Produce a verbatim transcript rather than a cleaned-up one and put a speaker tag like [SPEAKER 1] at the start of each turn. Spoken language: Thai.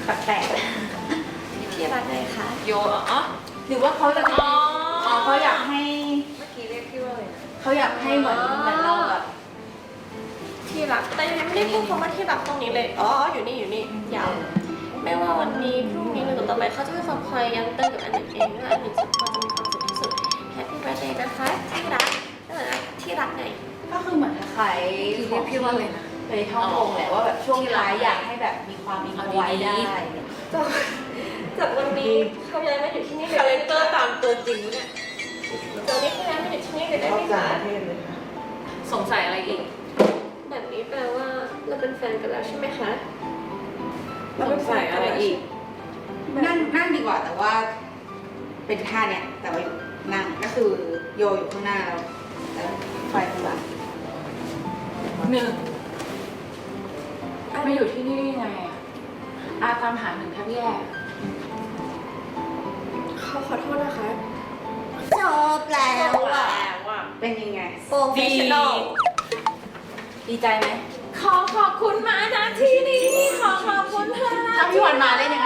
[SPEAKER 1] แปลก
[SPEAKER 2] ที่รักไงคะ
[SPEAKER 3] โยอ๋อ
[SPEAKER 1] ๆหรือว่าเขาจะอ๋อเขาอยากให้
[SPEAKER 3] เมื่อกี้เรียกพี่ว่าอะไรนะ
[SPEAKER 1] เขาอยากให้เหมือนเหมือนเราแบบ
[SPEAKER 2] ที่รักแต่ยังไม่ได้พูดคำว่าที่รักตรงนี้เลยอ๋ออยู่นี่อยู่นี่ยาวไม่ว่าวันนี้พรุ่งนี้หรือต่อไปเขาจะเป็นคนคอยย้ำเตือนกับอันหนึ่งเองว่าอันหนึ่งสักคนจะมีความสุขที่สุด Happy Birthday นะคะที่รักนั่นแหละที่รักไง
[SPEAKER 1] ก็คือเหมือนคล้ายๆของที่เคยท่ององค์แหละว่าแบบช่วงท้ายอยากให้แบบมีความอินไว้ได้
[SPEAKER 2] จากจากวันนี้เขาย้ายมาอยู่ที่นี่เลย
[SPEAKER 3] คาแรคเตอร์ตามตัวจริงเนี่ย
[SPEAKER 2] ตอนนี้เขาย้ายมาอยู่ที่นี่เลยได้ไหมคะ
[SPEAKER 3] สงสัยอะไรอีก
[SPEAKER 2] แบบนี้แปลว่าเราเป็นแฟนกันแล้วใช่ไหมคะ
[SPEAKER 3] สงสัยอะไรอีก
[SPEAKER 1] นั่งนั่งดีกว่าแต่ว่า เป็นท่าเนี้ยแต่ว่าอยู่นั่งก็คือโยอยู่ข้างหน้าแล้วแล้วไฟข้างหลัง
[SPEAKER 4] หนึ่งมาอยู่ที่นี่ได้ยังไงอะอาตามหาหนึ่งแทบแย่
[SPEAKER 2] เขาขอโทษนะคะ
[SPEAKER 1] จบแล้วอ่ะ
[SPEAKER 3] แล้วอ่ะ
[SPEAKER 1] เป็นยังไง
[SPEAKER 2] โปรเฟชชั่นอล
[SPEAKER 1] ดีใจไหม
[SPEAKER 4] ขอขอบคุณมาณที่นี้ขอขอบคุณเธอ
[SPEAKER 1] ถ้าพี่วันมาได้ยัง